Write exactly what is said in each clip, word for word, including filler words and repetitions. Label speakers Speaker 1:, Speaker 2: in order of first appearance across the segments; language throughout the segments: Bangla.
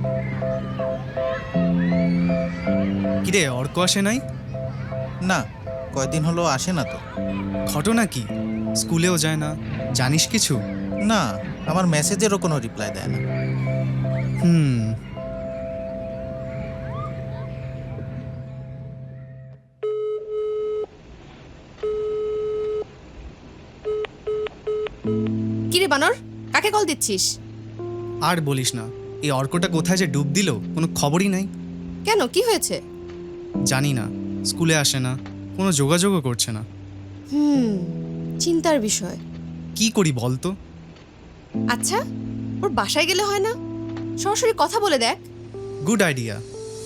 Speaker 1: কিরে, অর্ক আসে নাই?
Speaker 2: না, কয়দিন হলো আসে না তো।
Speaker 1: ঘটনা কি? স্কুলেও যায় না, জানিস কিছু?
Speaker 2: না, আমার মেসেজেরও কোনো রিপ্লাই দেয় না।
Speaker 1: হুম।
Speaker 3: কিরে বানর, কাকে কল দিচ্ছিস?
Speaker 1: আর বলিস না, এই অর্কটা কোথায় যে ডুব দিল কোনো খবরই নাই।
Speaker 3: কেন, কি হয়েছে?
Speaker 1: জানি না, স্কুলে আসে না, কোনো যোগাযোগও করছে না।
Speaker 3: হুম, চিন্তার বিষয়।
Speaker 1: কি করি বল তো?
Speaker 3: আচ্ছা, ওর বাসায় গেলে হয় না? সরাসরি কথা বলে দেখ।
Speaker 1: Good idea.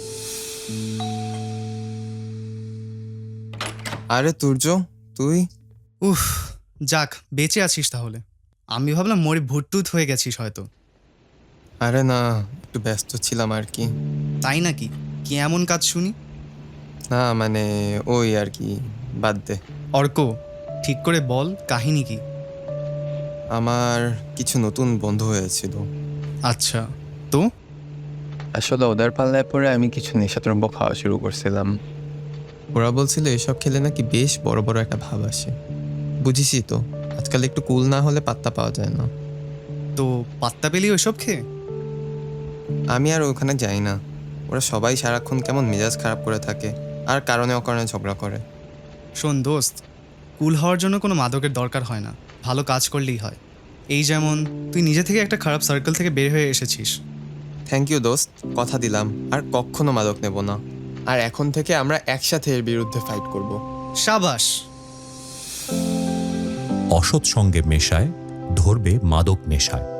Speaker 4: আরে তুর্য, তুই?
Speaker 1: উফ, যাক বেঁচে আছিস তাহলে। আমি ভাবলাম মরে ভুটটুত হয়ে গেছিস হয়তো।
Speaker 4: আরে না, একটু ব্যস্ত ছিলাম আর কি।
Speaker 1: তাই নাকি? কি এমন কাজ শুনি?
Speaker 4: না মানে ওই আর কি, বাদ দে।
Speaker 1: অর্ক, ঠিক করে বল কাহিনী কি?
Speaker 4: আমার কিছু নতুন বন্ধু হয়েছিল।
Speaker 1: আচ্ছা, তো?
Speaker 5: আসলে ওদের পাল্লায় পরে আমি কিছু নেশাদ্রব্য খাওয়া শুরু করছিলাম।
Speaker 4: ওরা বলছিল এসব খেলে নাকি বেশ বড় বড় একটা ভাব আসে। বুঝিসই তো, আজকাল একটু কুল না হলে পাত্তা পাওয়া যায় না।
Speaker 1: তো পাত্তা পেলি ওইসব খেয়ে?
Speaker 4: আমি আর ওখানে যাই না। ওরা সবাই সারাক্ষণ কেমন মেজাজ খারাপ করে থাকে, আর কারণে অকারণে ঝগড়া করে।
Speaker 1: শোন দোস্ত, কুল হওয়ার জন্য কোনো মাদকের দরকার হয় না, ভালো কাজ করলেই হয়। এই যেমন তুই নিজে থেকে একটা খারাপ সার্কেল থেকে বের হয়ে এসেছিস।
Speaker 4: থ্যাংক ইউ দোস্ত, কথা দিলাম আর কখনো মাদক নেব না। আর এখন থেকে আমরা একসাথে এর বিরুদ্ধে ফাইট করব।
Speaker 1: সাবাস।
Speaker 6: অসৎ সঙ্গে মেশায় ধরবে মাদক নেশায়।